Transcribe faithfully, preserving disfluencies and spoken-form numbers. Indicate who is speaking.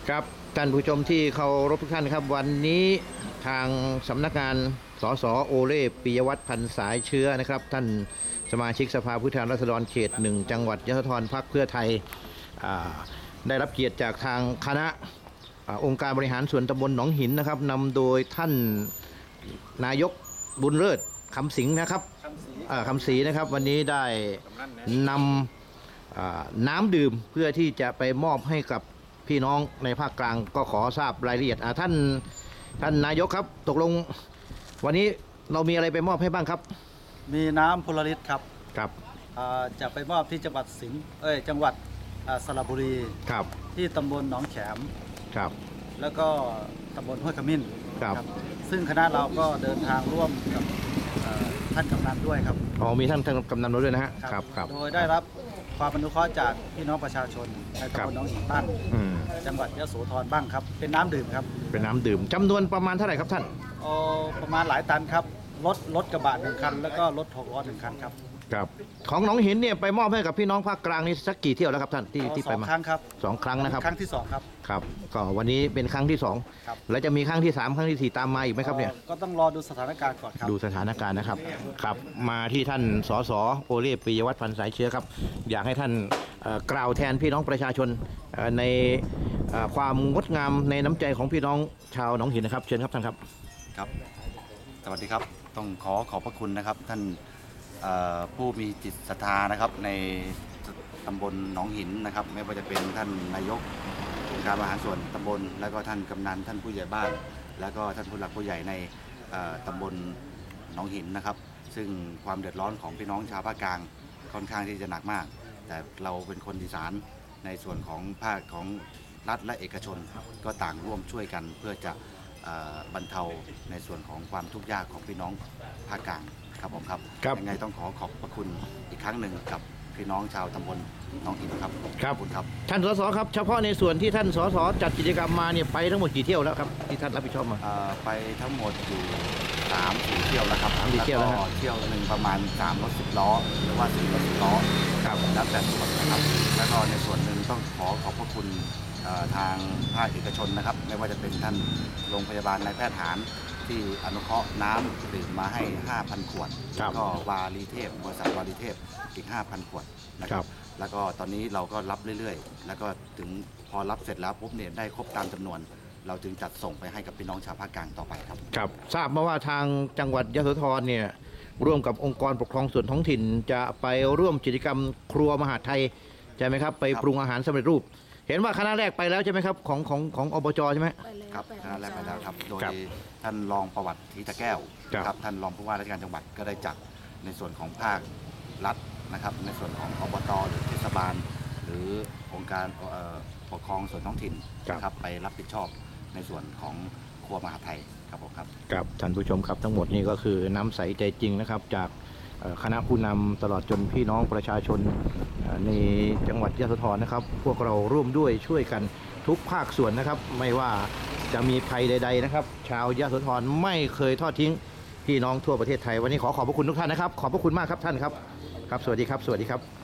Speaker 1: ครับท่านผู้ชมที่เคารพทุกท่านครับวันนี้ทางสำนักงานสสโอเล่ปิยวัฒน์พันสายเชื้อนะครับท่านสมาชิกสภาผู้แทนราษฎรเขตหนึ่งจังหวัดยะโสธรพรรคเพื่อไทยได้รับเกียรติจากทางคณะองค์การบริหารส่วนตำบลหนองหินนะครับนำโดยท่านนายกบุญเลิศคำสิงห์นะครับคำศรีนะครับวันนี้ได้นำน้ำดื่มเพื่อที่จะไปมอบให้กับพี่น้องในภาคกลางก็ขอทราบรายละเอียดท่านท่านนายกครับตกลงวันนี้เรามีอะไรไปมอบให้บ้างครับ
Speaker 2: มีน้ำพลลิตครับ
Speaker 1: ครับ
Speaker 2: จะไปมอบที่จังหวัดสิงห์เอ้ยจังหวัดสระบุรี
Speaker 1: ครับ
Speaker 2: ที่ตำบลหนองแขม
Speaker 1: ครับ
Speaker 2: แล้วก็ตำบลห้วยขมิ้น
Speaker 1: ครับ
Speaker 2: ซึ่งคณะเราก็เดินทางร่วมกับท่านกำนันด้วยครับ
Speaker 1: อ๋อมีท่านท่านกำนันด้วยนะฮะครับครับ
Speaker 2: โดยได้รับความอนุเคราะห์จากพี่น้องประชาชนในตำบลหนองหินบ้างจังหวัดยะโสธรบ้างครับเป็นน้ำดื่มครับ
Speaker 1: เป็นน้ำดื่มจำนวนประมาณเท่าไหร่ครับท่าน
Speaker 2: อ๋อประมาณหลายตันครับรถรถกระบะหนึ่งคันแล้วก็รถหกล้อหนึ่งคันครับ
Speaker 1: ครับของหนองหินเนี่ยไปมอบให้กับพี่น้องภาคกลางนี่สักกี่เที่ยวแล้วครับท่านที่ที่ไปมา
Speaker 2: สองครั้งครับ
Speaker 1: สองครั้งนะครับ
Speaker 2: ครั้งที่สองครับ
Speaker 1: ครับก็วันนี้เป็นครั้งที่สองแล้วจะมีครั้งที่สามครั้งที่สี่ตามมาอีกไหมครับเนี่ย
Speaker 2: ก็ต้องรอดูสถานการณ์ก่อนครับ
Speaker 1: ดูสถานการณ์นะครับครับมาที่ท่านสสโอเล่ปิยวัฒน์พันสายเชื้อครับอยากให้ท่านกล่าวแทนพี่น้องประชาชนในความงดงามในน้ำใจของพี่น้องชาวหนองหินนะครับเชิญครับท่านครับ
Speaker 3: ครับสวัสดีครับต้องขอขอบพระคุณนะครับท่านผู้มีจิตศรัทธานะครับในตำบลหนองหินนะครับไม่ว่าจะเป็นท่านนายกองค์การบริหารส่วนตำบลแล้วก็ท่านกำนันท่านผู้ใหญ่บ้านแล้วก็ท่านผู้หลักผู้ใหญ่ในตำบลหนองหินนะครับซึ่งความเดือดร้อนของพี่น้องชาวภาคกลางค่อนข้างที่จะหนักมากแต่เราเป็นคนอีสานในส่วนของภาคของรัฐและเอกชนก็ต่างร่วมช่วยกันเพื่อจะบรรเทาในส่วนของความทุกข์ยากของพี่น้องภาคกลางครับผมครับยังไงต้องขอขอบพระคุณอีกครั้งหนึ่งกับพี่น้องชาวตำบลหนองหินครับ
Speaker 1: ครับคุณครับท่านสสครับเฉพาะในส่วนที่ท่านสสจัดกิจกรรมมาเนี่ยไปทั้งหมดกี่เที่ยวแล้วครับที่ท่านรับผิดชอบมา
Speaker 3: ไปทั้งหมดอยู่สามสี่เที่ยวแล้วครับ
Speaker 1: สามสี่เที่ยวแล้ว
Speaker 3: เที่ยวหนึ่งประมาณสามรถสิบล้อหรือว่าสี่รถสิบล้อครับแล้วแต่ส่วนนะครับแล้วก็ในส่วนหนึ่งต้องขอขอบพระคุณทางภาคเอกชนนะครับไม่ว่าจะเป็นท่านโรงพยาบาลนายแพทย์ฐานที่อนุเคราะห์น้ำดื่มมาให้ ห้าพัน ขวดแล้วก็วารีเทพบริษัทวารีเทพอีก ห้าพัน ขวดนะครับแล้วก็ตอนนี้เราก็รับเรื่อยๆแล้วก็ถึงพอรับเสร็จแล้วปุ๊บเนี่ยได้ครบตามจำนวนเราจึงจัดส่งไปให้กับพี่น้องชาวภาคกลางต่อไปครับ
Speaker 1: ครับทราบมาว่าทางจังหวัดยะโสธรเนี่ยร่วมกับองค์กรปกครองส่วนท้องถิ่นจะไปร่วมกิจกรรมครัวมหาดไทยใช่ไหมครับไปปรุงอาหารสำเร็จรูปเห็นว่าคณะแรกไปแล้วใช่ไหมครับของของของอบจใช่ไหม
Speaker 3: ครับคณะแรกไปแล้วครับโดยท่านรองประวัติทีตะแก้วครับท่านรองผู้ว่าราชการจังหวัดก็ได้จัดในส่วนของภาครัฐนะครับในส่วนของอบตหรือเทศบาลหรือองค์การปกครองส่วนท้องถิ่นนะครับไปรับผิดชอบในส่วนของครัวมหาไทยครับผมครับ
Speaker 1: ครับท่านผู้ชมครับทั้งหมดนี้ก็คือน้ำใสใจจริงนะครับจากคณะผู้นำตลอดจนพี่น้องประชาชนในจังหวัดยะโสธรนะครับพวกเราร่วมด้วยช่วยกันทุกภาคส่วนนะครับไม่ว่าจะมีภัยใดๆนะครับชาวยะโสธรไม่เคยทอดทิ้งพี่น้องทั่วประเทศไทยวันนี้ขอขอบพระคุณทุกท่านนะครับขอบพระคุณมากครับท่านครับครับสวัสดีครับสวัสดีครับ